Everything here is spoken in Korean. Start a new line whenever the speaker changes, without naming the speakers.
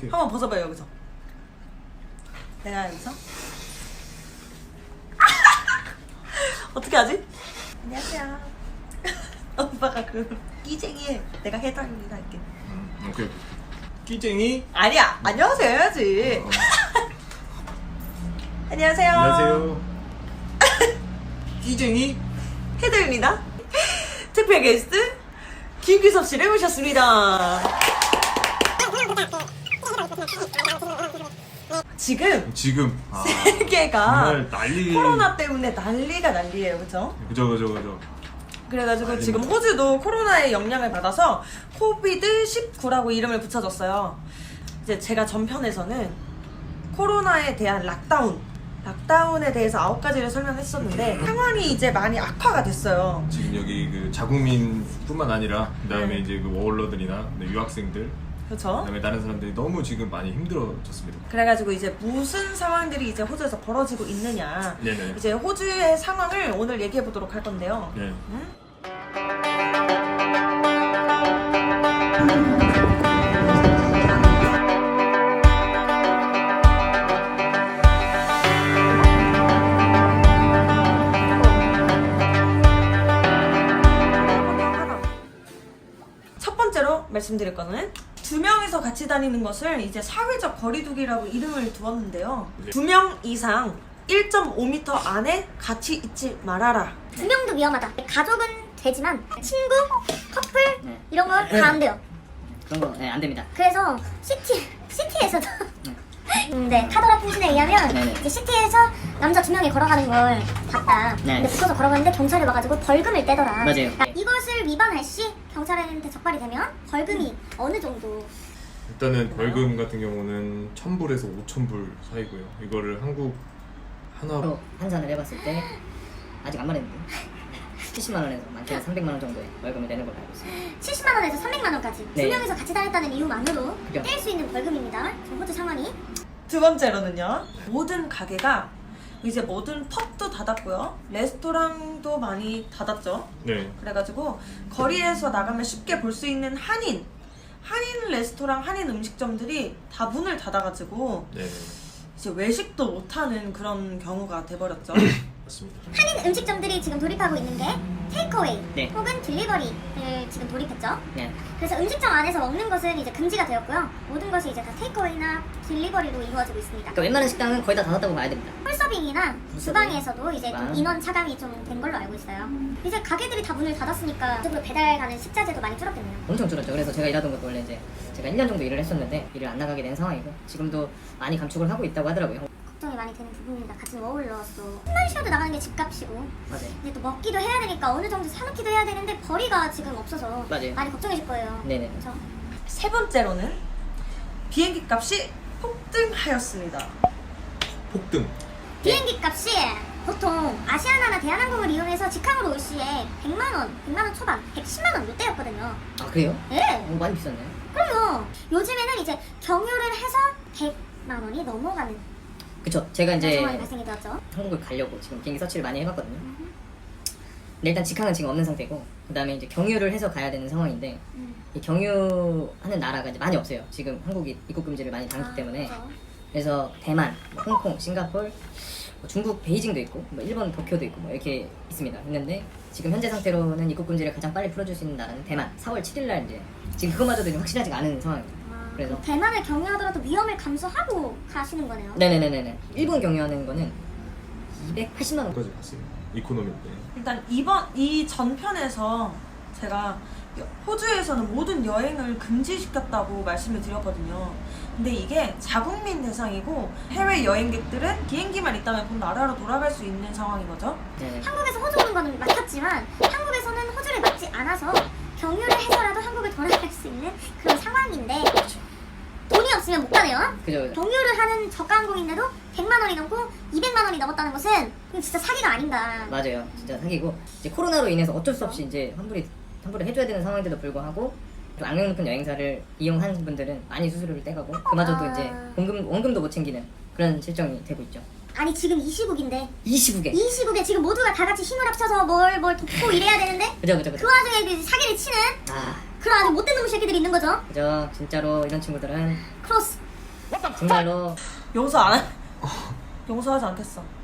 할게요.
한번 벗어봐요 여기서. 내가 여기서 어떻게 하지? 안녕하세요. 오빠가 그 끼쟁이 내가 해달리라 할게.
오케이. 끼쟁이.
아니야 안녕하세요 해야지. 안녕하세요.
안녕하세요. 끼쟁이.
해드립니다. 특별 게스트 김규섭 씨를 모셨습니다. 지금
아,
세계가
정말 난리.
코로나 때문에 난리가 난리예요, 그죠?
그죠.
그래가지고
난리입니다.
지금 호주도 코로나의 영향을 받아서 코비드19라고 이름을 붙여줬어요. 이제 제가 전편에서는 코로나에 대한 락다운에 대해서 9가지를 설명했었는데 상황이 이제 많이 악화가 됐어요.
지금 여기 그 자국민뿐만 아니라 그다음에
네.
이제 그 워홀러들이나 유학생들,
그렇죠?
그다음에 다른 사람들이 너무 지금 많이 힘들어졌습니다.
그래가지고 이제 무슨 상황들이 이제 호주에서 벌어지고 있느냐,
네네.
이제 호주의 상황을 오늘 얘기해 보도록 할 건데요.
네.
첫 번째로 말씀드릴 거는 2명이서 같이 다니는 것을 이제 사회적 거리두기라고 이름을 두었는데요.
네.
2명 이상 1.5m 안에 같이 있지 말아라.
2명도 위험하다. 가족은 되지만 친구, 커플
네.
이런 건 다 안 돼요.
그런 거, 네, 안 됩니다.
그래서 시티에서도 네, 카더라 통신에 의하면
네네.
이제 시티에서 남자 2명이 걸어가는 걸 봤다.
네.
근데 붙어서 걸어가는데 경찰이 와가지고 벌금을 떼더라.
맞아요.
그러니까 이것을 위반할 시 경찰한테 적발이 되면 벌금이 어느 정도?
일단은 벌금 같은 경우는 1,000불에서 5,000불 사이고요. 이거를 한국 하나
서로 환산을 해봤을 때 아직 안 말했는데 70만 원에서 많게는 300만 원 정도의 벌금을 내는 걸로 알고 있습니다.
70만 원에서 300만 원까지
네.
2명이서 같이 다녔다는 이유만으로
그죠.
뗄 수 있는 벌금입니다. 지금 호주 상황이.
두 번째로는요. 모든 가게가 이제 모든 펍도 닫았고요. 레스토랑도 많이 닫았죠.
네.
그래가지고 거리에서 나가면 쉽게 볼 수 있는 한인 레스토랑, 한인 음식점들이 다 문을 닫아가지고
네.
이제 외식도 못하는 그런 경우가 돼버렸죠.
맞습니다.
한인 음식점들이 지금 돌입하고 있는 게 테이크어웨이
네.
혹은 딜리버리를 지금 돌입했죠.
네.
그래서 음식점 안에서 먹는 것은 이제 금지가 되었고요. 모든 것이 이제 다 테이크어웨이나 딜리버리로 이루어지고 있습니다.
그러니까 웬만한 식당은 거의 다 닫았다고 봐야 됩니다.
홀서빙이나 주방에서도 이제 좀
주방.
인원 차감이 좀 된 걸로 알고 있어요. 이제 가게들이 다 문을 닫았으니까 이쪽으로 배달 가는 식자재도 많이 줄었겠네요.
엄청 줄었죠. 그래서 제가 일하던 것도 원래 이제 제가 1년 정도 일을 했었는데 일을 안 나가게 된 상황이고 지금도 많이 감축을 하고 있다고 하더라고요.
걱정이 많이 되는 부분입니다. 같이 워홀러서 한번 쉬어도 나가는 게 집값이고
맞아요.
이제 또 먹기도 해야 되니까 어느 정도 사놓기도 해야 되는데 벌이가 지금 없어서
맞아요.
많이 걱정이실 거예요.
네네.
그렇죠?
세 번째로는 비행기 값이 폭등하였습니다.
폭등.
비행기 값이 보통 아시아나나 대한항공을 이용해서 직항으로 올 시에 100만 원 초반, 110만 원 이때였거든요.
아 그래요?
네.
많이 비쌌네.
그럼요. 요즘에는 이제 경유를 해서 100만 원이 넘어가는
그쵸. 제가 이제
상황이 발생이 되었죠.
한국을 가려고 지금 비행기 서치를 많이 해봤거든요. 근데 일단 직항은 지금 없는 상태고 그 다음에 이제 경유를 해서 가야 되는 상황인데 이 경유하는 나라가 이제 많이 없어요. 지금 한국이 입국 금지를 많이 당했기 때문에.
그렇죠.
그래서 대만, 뭐 홍콩, 싱가폴, 뭐 중국 베이징도 있고 뭐 일본 도쿄도 있고 뭐 이렇게 있습니다. 있는데 지금 현재 상태로는 입국 금지를 가장 빨리 풀어줄 수 있는 나라는 대만. 4월 7일 날 이제 지금 그거마저도 이제 확실하지가 않은 상황입니다. 그래서
대만을 경유하더라도 위험을 감수하고 가시는 거네요.
네네네네. 일본 경유하는 거는 280만 원.
까지 갔어요. 이코노미 때.
일단 이 전편에서 제가 호주에서는 모든 여행을 금지시켰다고 말씀을 드렸거든요. 근데 이게 자국민 대상이고 해외 여행객들은 비행기만 있다면 본 나라로 돌아갈 수 있는 상황인 거죠.
네네.
한국에서 호주 오는 거는 맞았지만 한국에서는 호주를 맞지 않아서 경유를 해서라도 한국을 돌아갈 수 있는 그런 상황인데 돈이 없으면 못 가네요.
그죠.
경유를 하는 저가 항공인데도 100만 원이 넘고 200만 원이 넘었다는 것은 이건 진짜 사기가 아닌가.
맞아요. 진짜 사기고 이제 코로나로 인해서 어쩔 수 없이 이제 환불을 해줘야 되는 상황인데도 불구하고 좀 악명 높은 여행사를 이용한 분들은 많이 수수료를 떼가고 그마저도 이제 원금도 못 챙기는 그런 실정이 되고 있죠.
아니 지금 이 시국인데
이 시국에.
이 시국에 지금 모두가 다 같이 힘을 합쳐서 뭘 돕고 이래야 되는데
그죠.
그 와중에 그 사기를 치는
아,
그런 아주 못된 놈의 새끼들이 있는 거죠.
그죠. 진짜로 이런 친구들은
크로스
정말로
용서 안 해. 용서하지 않겠어.